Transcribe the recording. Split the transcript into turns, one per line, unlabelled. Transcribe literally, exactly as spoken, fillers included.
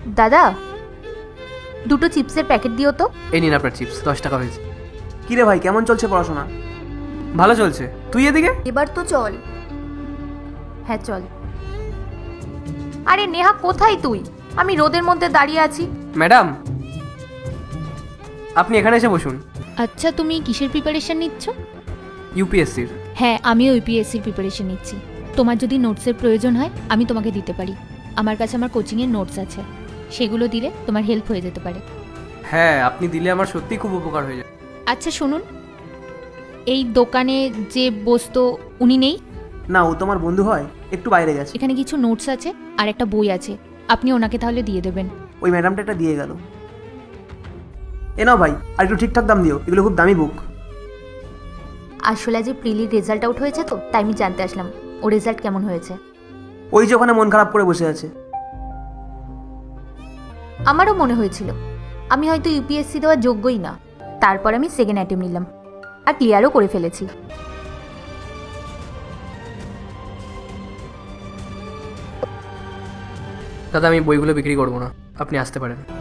দাদা, দুটো চিপসের প্যাকেট দিও তো।
এই নিন আপনার চিপস, দশ টাকা হয়েছে।
কিরে ভাই, কেমন চলছে পড়াশোনা?
ভালো চলছে। তুই এদিকে?
এবার তো চল। হ্যাঁ চল। আরে নেহা, কোথায় তুই? আমি রোদের মধ্যে দাঁড়িয়ে আছি।
ম্যাডাম, আপনি এখানে এসে বসুন।
আচ্ছা, তুমি কিসের প্রিপারেশন নিচ্ছ?
ইউপিএসসির।
হ্যাঁ, আমিও ইউপিএসসির প্রিপারেশন নিচ্ছি। তোমার যদি নোটসের প্রয়োজন হয় আমি তোমাকে দিতে পারি। আমার কাছে আমার কোচিংয়ের নোটস আছে, সেগুলো দিলে তোমার হেল্প হয়ে যেতে পারে।
হ্যাঁ, আপনি দিলে আমার সত্যিই খুব উপকার হয়ে যাবে।
আচ্ছা শুনুন, এই দোকানে যে বসতো উনি নেই?
না, ও তোমার বন্ধু হয়, একটু বাইরে গেছে।
এখানে কিছু নোটস আছে আর একটা বই আছে, আপনি ওনাকে তাহলে দিয়ে দেবেন।
ওই ম্যাডামটা এটা দিয়ে গেল। এ নাও ভাই, আর একটু ঠিকঠাক দাম দিও, এগুলো খুব দামি বুক।
আসলে আজ প্রিলির রেজাল্ট আউট হয়েছে তো, তাই আমি জানতে আসলাম ও রেজাল্ট কেমন হয়েছে।
ওই যে ওখানে মন খারাপ করে বসে আছে।
আমারও মনে হয়েছিল আমি হয়তো ইউপিএসসি দেওয়ার যোগ্যই না, তারপর আমি সেকেন্ড অ্যাটেম্প নিলাম আর ক্লিয়ারও করে ফেলেছি।
দাদা, আমি বইগুলো বিক্রি করবো না, আপনি আসতে পারেন।